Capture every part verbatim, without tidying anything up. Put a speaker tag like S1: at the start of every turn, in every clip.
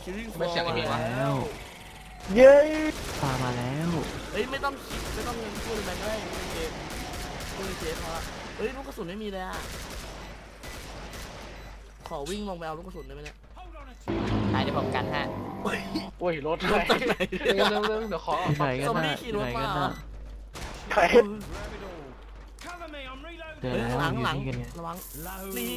S1: คิริงฟ
S2: ไม่
S1: อ
S2: เสียง
S1: มา
S2: ไม่มีวะ
S1: แล้ว
S3: เย้ปลามาแล้ว
S1: เฮ้ยไม่ต้องคิดไม่ต้องเงินพูดอะไรก็ได้เกมพูดเกมพอละเฮ้ยลูกกระสุนไม่มีเลยอ่ะขอวิ่งลงไปเอาลูกกระสุนได้ไหมเนี่ย
S4: ได้เดี๋ยวผมกันฮะ
S2: โอ้ยรถ
S1: รถจากไหน
S2: เร็วเร็วเร็วเดี๋ยวขอ
S3: ที่ไหนกัน
S1: ซอม
S3: น่ะ
S1: บี้ขี่รถ
S3: ที่ไหน
S1: มา
S3: กัน
S1: เหรอ
S3: น่ะเจอ
S1: เฮ้ย
S3: แล้ว
S1: หลัง
S3: อยู่
S1: หลัง
S3: นี่กันไง
S1: ระวังนี่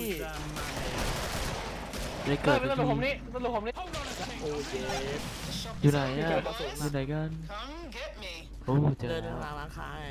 S3: ได้
S2: เกิ
S3: เกิ
S2: ด
S3: ด
S2: ไม่
S3: ไป
S2: ต้อง
S3: ที
S2: ผมนี่ต้องผมนี่
S1: โอ้เจ๊
S3: อยู่ไหนอ่ะอยู่ไหนกันโอ้เจอ
S1: เดิน
S3: แล้ว
S1: ทางร้านค้าไง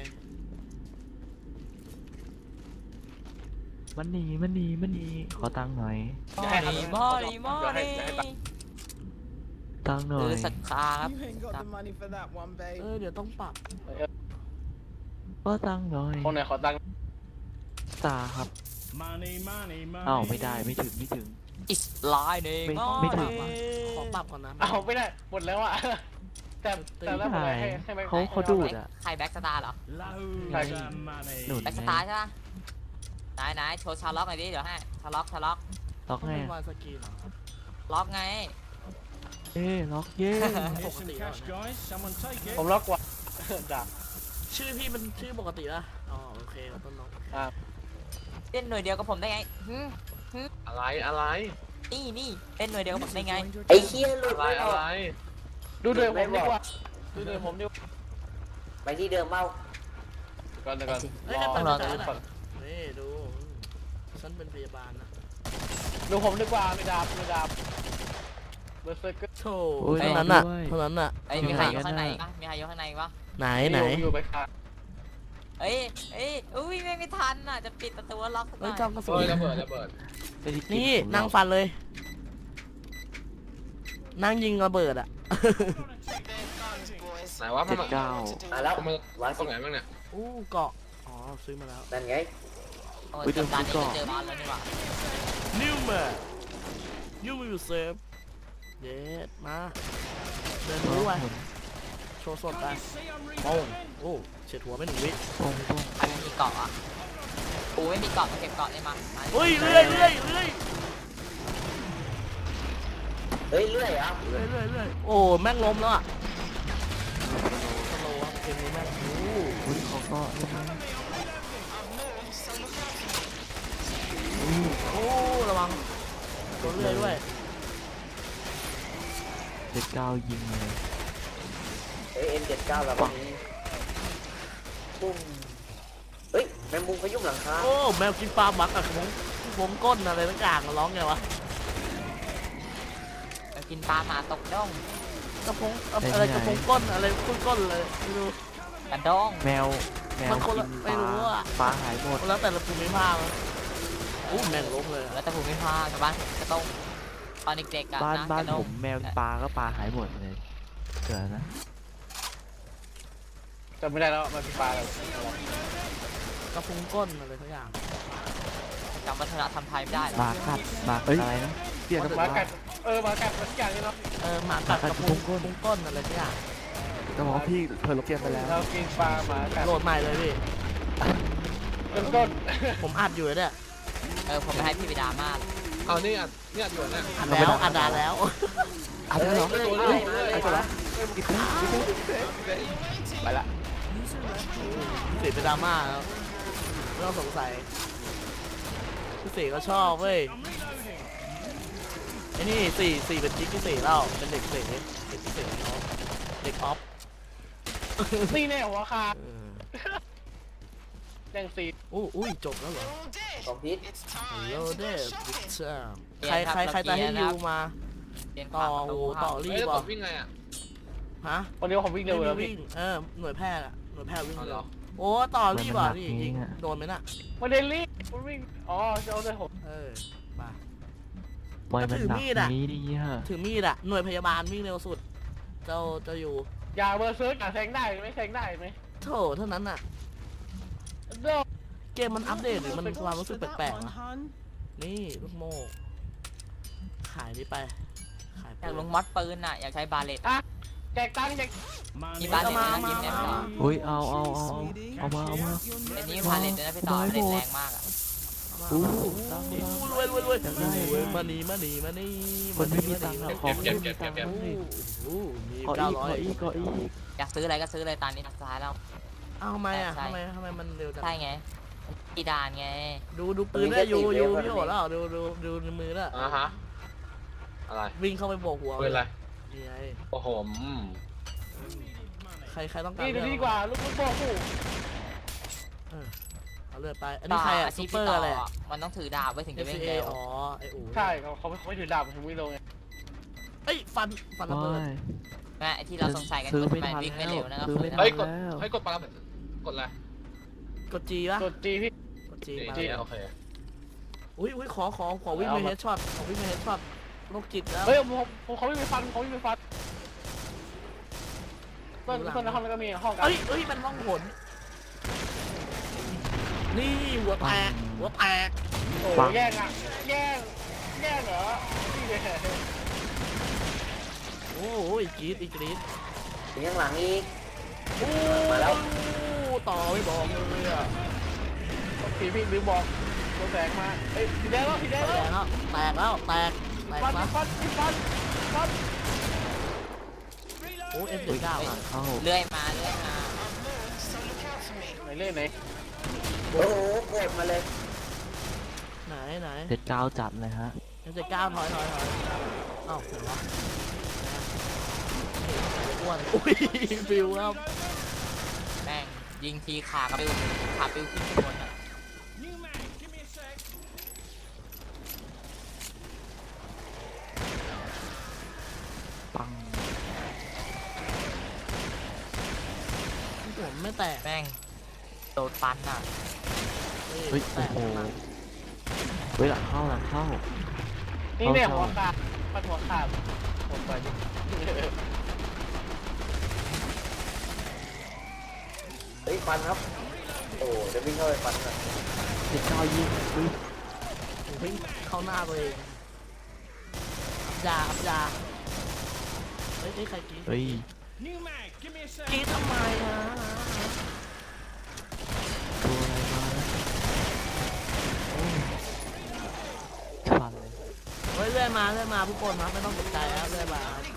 S3: มันหนีมันหนีมันหนีขอตังค์หน่อย
S4: มอนี่มอนี่มอนี่
S3: ตังค์หน่อ
S4: คื
S3: ย
S4: อศรัทธาครับ
S5: You ain't got the money for that one,
S1: เอ
S5: babe.
S1: อเดี๋ยวต้องปรับ
S3: ขอตังค์หน่อย
S2: คนไหนขอตังค์
S3: ตาครับอ้าวไม่ได้ไม่ถึงไม่ถึง
S4: อิสไลน์เอง
S3: ไม่
S4: มอ
S3: ไม่ถึง
S4: นี่
S1: ขอปรับก่อนนะ
S2: เอาไม่ได้หมดแล้วอ่ะแต่แต่แล้วผม
S3: ไม่
S2: ให้
S3: ได้
S2: ให้ไป
S3: เขาเขาดูดอ่ะ
S4: ใครแบ็กสตาร์เหรอ
S3: ใช่หนุน
S4: แบ็กสตาร์ใช่ปะไหนไหนโชว์ชาล็อกหน่อยดิเดี๋ยวให้ชาล็อกชาล็อก
S3: ล็อก
S1: ต้อง
S3: ไง
S1: เป็นวายสกรีนเหรอ
S4: ล็อกไง
S3: เอ้ล็อกเย้
S1: ปกติแล้วเนี่ย
S2: ผมล็อกกว่าด่า
S1: ชื่อพี่มันชื่อปกติละอ๋อโอเคเราต้นน้อง
S4: เล่นหน่วยเดียวกับผมได้ไงหึ
S2: อะไรอะไร
S4: นี่นี่เล่นหน่วยเดียวกับผมได้ไง
S6: ไอ้เคี้ยหลุด
S2: อะไร
S6: ไม่อ
S2: อะ
S6: อก
S2: ไรดูเดือดผมดีกว่าดูเดือดผมดีกว่า
S6: ไปที่เดิมเมา
S2: ก่อนเดี๋ยวก่อน
S1: เฮ้ย
S2: ร
S1: นั่น
S2: อ
S1: เป็น
S2: รอ
S1: อาจาร
S2: ดู
S1: ย์
S2: ก่อน
S1: อะนี่ดูฉันเป็นพยาบาลนะ
S2: ดูผมดีกว่าไม่ดาบไม่ดาบเบอร์เซอร์เกอร์
S1: โธ่เท่านั้นน่ะเท่านั้นน่ะ
S4: ไอ้ยมีใครอยู่ข้างในปะมีใครอยู่ข้างในปะ
S1: ไหนไหน
S2: อยู่ไปค่ะ
S4: เอ้ยเอ้ยอุ้ยไม่ไม่ทันอ่ะจะปิดประตูล็อกสักห
S1: เฮ้
S4: น่
S1: ย
S4: อย
S1: จอมกระสุ
S2: เฮ้
S1: น
S2: ยระเบิดระเบิด
S3: ไปที่กิ
S1: นี่
S3: ผม
S1: นั่ง
S3: ล็อก
S1: ฟันเลย นั่งยิงระเบิดอ่ะ
S2: ไหนว่า
S3: เจ็ด
S2: มัน
S3: เก้า
S6: มาแล้ว
S2: มัน
S6: วาง
S2: ตร
S6: สิ
S2: งไหนบ้างเนี่ย
S1: อู้เกาะอ๋อซื้อมาแล้ว
S6: นั่นไง
S4: โอ้ยจำการนี้ก็เจอบอลแล้วนี่หว่า
S1: นิวเมอร์ยูวิลเซฟเย็ดมาเดินรู้ไปโชว์สดไปโป้งโอ้เฉียดหัวไปหนึ่งวิ
S3: ตรงตรง
S4: ใครไม่มีเกาะอ่ะกูไม่มีเกาะมาเก็บเกาะได้มามา
S1: เฮ้ยเรื่อยเรื่อยเรื่อย
S6: เฮ้ยเลื่อยเหรอ่ะ
S1: เรื่อยเรื่อยเรื่อยโอ้แม่งล้มแล้วอ่ะสโลว์ครับเกมนี้แม่งโอ้
S3: อุ้ยเขาก็ใช่ไหม
S1: โอ้ระวังโดนเรื่อยด้วย
S3: เจ็ดเก้ายิงเลย
S6: เฮ้ยเอ็มเจ็ดเก้าแล้ววันนี้ปุ้มเฮ้ยแมงมุมเขายุ่งหลังคา
S1: โอ้แมวกินปลาหมักอะวงวงก้นอะไรต่างอย่างร้องไงวะ
S4: กินปลาหมาตกด้ง
S1: กระพงอะไรกระพงก้นอะไรก้นก้นเลยไม่รู้
S4: กระด้ง
S3: แมวแมว
S1: มันคน
S3: กิ
S1: ละ
S3: น
S1: ไม่
S3: ปลา
S1: รู้อะ
S3: ปลาหายหมด
S1: แล้วแต่ละภูมิภาคนะอู้แม่งล้มเลยอะ
S4: แล้วแต่ผมไม่พลาดชาวบ้านกระต้งตอนเด็กๆอะ
S3: บ้าน
S4: นะ
S3: บ้าน
S4: กระด้
S3: ผ
S4: ง
S3: มแมวปลาก็ปลาหายหมดเลยเกิดนะ
S2: จำไม่ได้แล้วมันเป็นปลาอะไร
S1: กระพงก้นอะไรทุกอย่าง
S4: จำวัฒนธรรมไทยไม่ได้หรอ
S3: ปลากัดปลาอะไรนะเปลี่ยน
S2: หมากัดเออหมากัดมันอย่างนี้เนาะ
S1: เออหมากัดกระพงก้นก้นอะไรทุกอย่าง
S3: ก็บอกว่าพี่เพิ่มเปลี่ยนไปแล้ว
S2: เรากินปลาหมากัด
S1: โหลดใหม่เลยพี่
S2: ต้นก้น
S1: ผมอัดอยู่เนี่ย
S4: เออผมไปให้พี่ไปดราม่า
S2: เอานี่อัดนี่อัดอยู่เนี่ย
S1: อัดแล้วอัดดาแล้ว
S3: อัดแล้วเหรอ
S6: เฮ้ย
S2: เฮ้
S6: เฮ้
S2: ย
S6: ย
S2: เฮ้ย
S6: เฮ้ย
S3: อัดแล้วกินได้กินได้
S2: ไปละ
S1: พี่เสกเป็นดราม่าแล้วไม่ต้องสงสัยพี่เสกก็ชอบเว้ยไอ้นี่สี่สี่เป็นจิ๊กพี่เสกแล้วเป็นเด็กเสกเด็กพี่เสกเขาเด็กออฟ
S2: นี่แน่หัวคา
S1: เออ
S2: แดงสี
S1: อู้อุ้ยจบแล้วเหรอ
S6: ของพิษ
S1: โลเดอร์บิ๊กเซอร์ใครใครใครจะให้ยูมา
S4: เรียน
S1: ต่อ
S4: ประตู
S1: โอ้ต่อรี
S2: เฮ้ย
S1: บ
S2: แล้ว
S1: อ่ะ
S2: ผมวิ่งไงอ่ะ
S1: ฮะ
S2: วันนี้ผมวิ่งเร็ว
S1: ไม่
S2: แล้ว
S1: มี
S2: พี่
S1: วิ่งเออหน่วยแพทย์อะหน่วยแพทย์วิ่ง
S2: เอาเห
S1: เร็
S2: ร
S1: ว
S2: อ
S1: โอ้ต่อรีบอ่ะนี่ยิงโดนไหมน่ะ
S2: ไมันเดลี่มันวิ่งอ๋อจะเอาเลยผม
S1: เออมา
S3: ปล่อยมันหนัก
S1: ถือมีดอะ
S3: นี้ดีฮะ
S1: ถือมีดอะหน่วยพยาบาลวิ่งเร็วสุด เจ้าจะอยู่
S2: อย่าเบอร์เซิร์กอย่าแทงได้ไหมแทงได้ไหม
S1: โถเท่านั้นน่ะ
S2: เด้อ
S1: เกมมันอัปเดตหรือมันความรู้สึกแปลกๆนะนี่ลูกโม่ขายนี่ไป ขาย
S4: อ
S1: ไป
S4: ยากลงมอดปืนอ่ะอยากใช้บาเลต
S2: อ่ะแจกตังค์แจก
S4: มีบาเลตนะยิ้มเนี่ยพี่ต่อ
S3: อุ้ยเอาเอาเอาเอาเอามาเอามา
S4: อันนี้บาเลตนะพี่ต่อ
S3: เอา
S4: บา
S3: ไว้
S4: เลต
S3: หมด
S4: แรงมากอ่ะ
S1: ข
S3: อู้
S1: ตั
S3: ตั
S1: ง
S3: ง
S1: ค์
S3: ค์
S1: รวยรวยรวย
S3: อยากได้
S1: รวยมานีมานีมานี
S3: คนไม่มีตังค์อะของไม่มีตังค์
S1: โอ้
S3: ให้
S1: โหมี
S3: ขอ
S1: เก้า
S3: อีก
S1: ร้อ
S3: ขอย อีกขออีก
S4: อยากซื้ออะไรก็ซื้อเลยตอนนี้สุดท้ายแล้ว
S1: อ้าวทำไมอ่ะ
S4: ใช่
S1: ทำไมทำไมมันเร็วจัง
S4: ใช่ไงอีดานไง
S1: ดูดูปืนได้อยู่อยู่พี่โหแล้วดูดูดูในมือแล้ว
S5: อ่าฮะอะไร
S1: วิ่งเข้าไปโบกหัว
S5: ปืนอะไร
S1: นี่ไง
S5: โอ้โหอืม
S1: ใครใครต้องการ
S2: นี่ดู
S1: เลือ
S2: ดีกว่าลูกลูกโป่งคู่
S1: เอาเลือดไปอันนี้ใครอ่ะ
S4: ต่
S1: ซู
S4: ชีพ
S1: เปอร์
S4: ต่
S1: อะไรอ่ะ
S4: มันต้องถือดาบไว้ถึงจะ
S1: เอ
S4: วิ่ง
S1: เอ
S4: เร็ว
S1: อ๋อไออู
S2: ใช่เขาเขาไม่เขาไม่ถือดาบถึงวิ่งลงไง
S1: เอ้ยฟันฟันระเบิด
S3: ไม่
S4: แม่ไอ้ที่เราสงสัยกัน
S3: ซื้อ
S4: ว่า
S3: ไม่
S4: ทำไม
S3: ทัน
S4: วิ่งไม่
S3: แล้ว
S4: เร็วนะครับ
S3: ซื้อไม่ทัน
S5: เฮ้ยกด
S3: แล้ว
S5: เฮ้ยกดปลาแบบกดอะไร
S1: กดจีปะ
S2: กดจีพี่
S1: กดจี
S5: นี่
S1: มา
S5: นี่
S1: เลย
S5: โอเค
S1: อุ้ยอุ้ยขอขอขอวิ่งไปเฮดช็อตขอวิ่งไปเฮดช็อตโรคจิตแล้ว
S2: เฮ้ยผมผมเขาไม่ไปฟันเขาไม่ไปฟันต้นต้นในห้องนั้นก็มีห้องกัน
S1: เอ้ยเอ้ยมันล่องหนนี่หัวแตกหัวแตก
S2: โอ้แย่งอ่ะแย่งแย่งเหรอนี่เลย
S1: โอ้ยกรีดอีกกรีด
S6: ถึงข้างหลังอีก
S1: โอ้
S6: มาแล้ว
S1: ต่อไม่บอกเลยอ่ะ
S2: ผีพี่ลืมบอกตัวแสงมาเอ้ยสีแดงแล้วสีแดง
S1: แต
S2: แล้ว
S1: กแล้วแตกแล้วแตกแตก
S2: ฟัน
S1: นะ
S2: ฟันฟันฟัน
S1: โอ้เอ็มเจ็ดเก้าอ่ะ
S3: เอ้า
S4: เลื่อยมาเลื่อยมา
S2: ไหนเล่นไหน
S6: โอ้โหกดมาเลย
S1: ไหนไหน
S3: เจ็ดเก้าจัดเลยฮะ
S1: เอ็มเจ็ดเก้าถอยถอยถอยเอ้าไหนวะอ้วนอุ้ยฟิวครับ
S4: แม่งยิงทีขากระปิวขาปิวขึ้นข้างบนอ่ะ
S3: ปัง
S1: ผมไม่แตก
S4: แม่งโดนฟันอ่ะ
S3: เฮ้ย
S1: แต
S3: โอ้
S1: ก
S3: โห
S1: มา
S3: เฮ้ยหลังเข้าหลังเข้า
S2: นี่เนี่ยหัวขาดฟันหัวขาดผมไปดิ
S6: เฮ้ยฟันครับ โอ้เดี๋ยววิ่งเข้าไปฟันกัน
S3: เจ็ดเก้ายิงอุ้ย
S1: ผมวิ่งเข้าหน้าตัวเองยาครับยาเฮ้ยนี่ใครกรีด
S3: เฮ้ย
S1: กรีดทำไมฮะ
S3: ตัวอะไรมาแล้วโอ้ยฟันเลย
S1: เฮ้ยเรื่อยมาเรื่อยมาทุกคนครับไม่ต้องตกใจครับเรื่อยมาครับ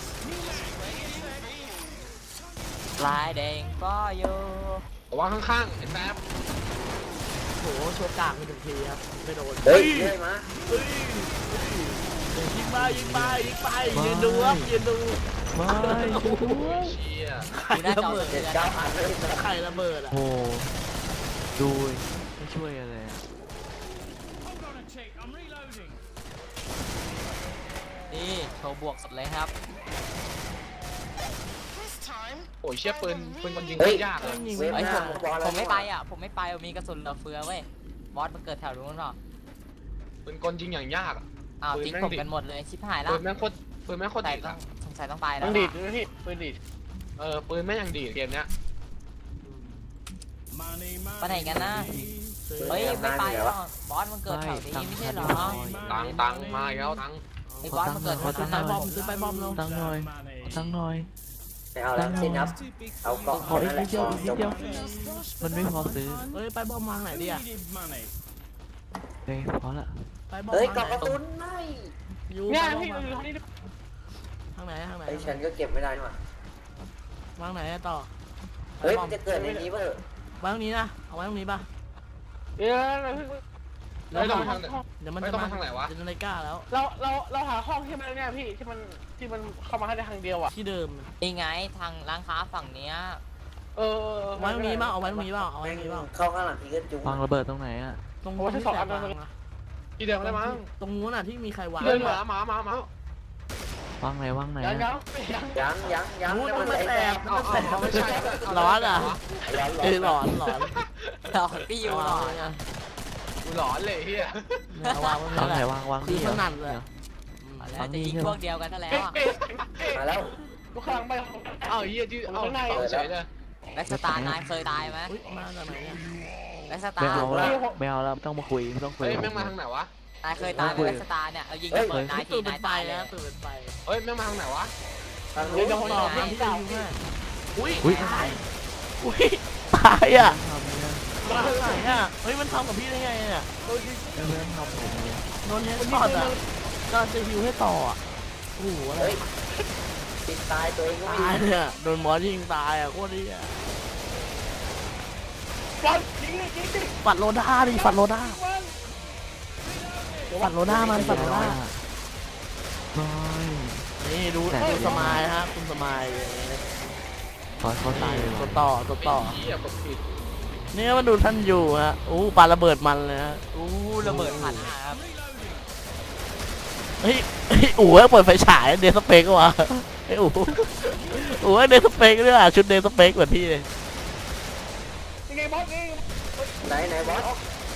S4: ลายแดงก็อยู่
S5: ระวังข้างๆไอ้แป๊บ
S1: โหโชว์กากไปหนึ่งทีครับไม่โดน
S6: เฮ้ยเรื่อยมา
S1: เฮ้ยเฮ้ยยิงไปยิงไปยิงไปยืนดูครับยืนดู
S3: ไม่
S1: โอ้โห
S5: โอ้ยเชี่ย
S1: ไข่ระเบิด
S6: เจ็ดเก้าอันเลยนะ
S1: ไข่ระเบิดอ่ะ
S3: โอ้โหดูไม่ช่วยอะไรอะ
S4: นี่โชว์บวกสุดเลยครับ
S5: โอ้ยเชี่ยปืนปืนคนยิง
S6: เฮ้ย
S5: ยากเลย
S1: ยิง
S6: เว
S1: ไม่
S6: ฟ
S1: ได้
S6: หน้าบอลแล้ว
S4: ผมไม่ไปอ่ะ ผมไม่ไปมีกระสุนเหลือเฟือเว้ย บอสมันเกิดแถวนู้นหรอ
S5: ปืนกลยิงอย่างยากอะ
S4: อ้าว
S5: ปืน
S4: ทิ้ง
S5: แม่ง
S4: ผม
S5: ดิ
S4: กันหมดเลย ชิบหายแล้ว
S5: ปืนแม่งโคตรปืนแม่งโคตร
S4: ใส่
S5: ดี
S4: ต้อ
S5: อะ
S4: งสงสัยต้องไปแล้
S2: ต้
S4: ว
S2: องดีด
S4: อะ
S2: ด้วยพี่ปืนดีด
S5: เออปืนแม่งยังดีเกมเนี้ย
S4: ไปไหนกันนะ เฮ้ย ไม่ไปหรอกบอสมันเกิดแถวนี้ไม่ใช่เหรอ
S5: ตังตังมาอีกแล้วตัง
S4: ไอ้บอสมันเกิดแถว
S1: ซื้อ
S4: นั้น
S1: ไปบอมซื้อไปบอมลง
S3: ตั้งหน่อยตั้งหน่อย
S6: ไม่เอาแล้วสิ้นครับ เอาเกาะ
S3: ขออีก
S6: นั่นแห
S3: นิ
S6: ละ
S3: ดเดียว
S6: พอ
S3: อีกนิ
S6: จ
S3: ด
S6: บ
S3: เดียว มันไม่พอซื้อ
S1: เฮ้ยไปบอมวางไหนดีอ่ะ
S3: เฮ้ยพอละ
S1: ไปบอม
S6: เฮ้ย
S1: วาง
S6: เกาะ
S1: ไห
S6: ก
S1: น
S6: ระสุนไม่
S1: อยู่
S2: เนี่ย
S1: ไปบอม
S2: พี่
S1: วาง
S2: อยู่ห้องนี้
S1: ทางไหนทางไหน
S6: ไอ้ฉันก็เก็บไม่ได้นี่หว่าว
S1: างไหนต่อ
S6: เฮ้ย
S1: บอ
S6: มันจะเกิดในนี้เปล่าว
S1: างตรงนี้นะเอาไว้ตรงนี้ป่ะ
S2: เดี๋ยวเรา
S5: เฮ้ยต้องไปทางไหน
S1: เดี๋ยวมัน
S5: ไม่
S1: จะ
S5: ต้อง
S1: มา
S5: ไปทางไหนวะ
S1: จะในกล้าแล้ว
S2: เราเราเราหาห้องที่มันเนี่ยพี่ที่มันที่มันเข้ามาให้ได้ทางเดียวอ่ะ
S1: ที่เดิม
S4: นี่ไงทางร้านค้าฝั่งเนี้ย
S2: เออ
S1: ไว้ตรงนี้ป่ะเอาไว้ตรงนี้ป่ะเอาไว้
S6: แม่
S1: ตรง งนี้ป่ะ
S6: เข้าข้างหลังทีก็จุ๊บ
S3: วางระเบิดตรงไหนอะ
S1: ตรง
S2: โอ้ย
S1: ที่
S2: สอง
S1: แส
S2: อั
S1: บ
S2: น
S1: วาง
S2: เลย
S1: อะ
S5: ที่เดิมได้มั้ง
S1: ตรงนู้นอ่ะที่มีใครวาง
S5: เดินหมาหมาหมาหมาว
S3: างไหนวางไหน
S2: ยัง
S3: อะ
S2: ยังยัง
S6: ยังยังยัง
S1: นู้น
S6: แล้ว
S1: มั
S6: มัน น
S1: ไม่
S6: แส
S1: แส
S6: บบ
S5: เอาเอาเอาไม่ใช่
S1: ร้อนอ่ะ
S6: ร้อน
S1: เออหลอนหลอน
S4: หลอนพี่อยู่หลอน
S1: อ่ะ
S5: กูหลอนเลยเฮีย
S1: เอาวางไว้
S3: วางไหน
S1: แหละ
S3: วางวาง
S1: คือ
S3: นี่
S1: ถ
S3: เหรอ
S1: นัดเลย
S4: แล้วจะยิงพวกเดียวกันนั่นแหละ
S2: เอ๊ะ
S4: อ่ะ
S2: เอ๊ะ
S6: มาแล้ว
S2: ลูกข้างไป
S5: เอาเฮียที่เอาเอาเฉยเลย
S4: แบ็กสตาร์นายเคยตายไหม
S1: อุ้ยมาจากไหนเนี่ย
S4: แบ็กสตา
S3: ไม่
S4: ร์
S3: เอาแล้วไม่เอาแล้วไม่ต้องมาคุยไม่ต้องคุย
S5: เฮ้ยแม่งมาทางไหนวะ
S4: นายเคยตายไหมแบ็กสตาร์เนี่ยเอายิงระเบิดนายที
S1: ตื่นเป็น
S4: นาย
S1: ไฟ
S4: ตายเลย
S1: นะตื่นเป็นไฟ
S5: เฮ้ยแม่งมาทางไหนวะ
S6: ทาง
S1: เดี๋
S6: นู้
S1: ยวน จะตอบมาที่ดูแม่อุ้ย
S3: อุ้ย
S1: ตายอุ้ยตายอ่ะ
S3: ทำเนี่ย
S1: ทมาไหนอ่ะเฮ้ยมันทำกับพี่ได้ไงเนี่ย
S3: เพื่อนทำผมเลย
S1: โดนเฮดช็อตอ่ะก็จะฮิวให้ต่ออ่ะโอ้โหอะไร
S6: เฮ้ยติดตายตัวเองก็
S1: ตาย
S6: มี
S1: เนี่ยโดนหมอยิงตายอ่ะโคตรดีอ่ะ
S2: บอลยิงเลยยิงดิ
S1: ปัดโลด้าดิปัดโลด้าปัดโลด้ามันปัดโลด้า
S3: ไม่
S1: นี่ดูดูสมายฮะคุณสมาย
S3: ขอเขาตายเลย
S1: ตัวต่อตัวต่อ
S5: เหี้ยกดผิด
S1: นี่มาดูท่านอยู่ฮะอู้ปาระเบิดมันเลยฮะ
S4: อู้ระเบิดพันห้าครับ
S1: เฮ้ยเฮ้ยอู๋เปิดไฟฉายเดสเปกวะไอ้อู๋อู๋เดสเปกด้วยอ่ะชุดเดสเปกเหมือนพี่เลย
S2: ยังไงบอสนี่
S6: ไหนไหนบอส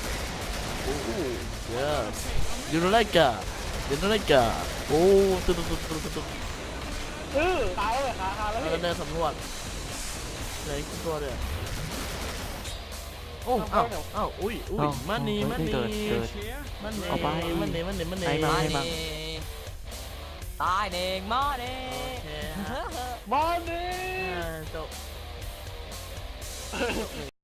S1: yes you don't like it you don't like it โอ้ตุ๊ดตุ๊ดตุ๊ดตุ๊ดตุ๊ด
S2: เออตายเลยขาขาแล้ว
S1: แล้ว
S2: พี่
S1: ก็เดินสำรวจเลยขึ้นตัวเลยโอ้เอ้าเอ้าอุ้ยอุ้ยมันนี่มันนี่
S3: เกิดเกิด
S1: มันนี่
S3: เอาไป
S1: มันนี่มันนี่มันนี่
S3: ไอ้
S4: มา
S3: บ้า
S4: เน่ตายเน่งมาเน่
S1: โอเคฮะ
S2: บอลนี่
S1: อ่าจบ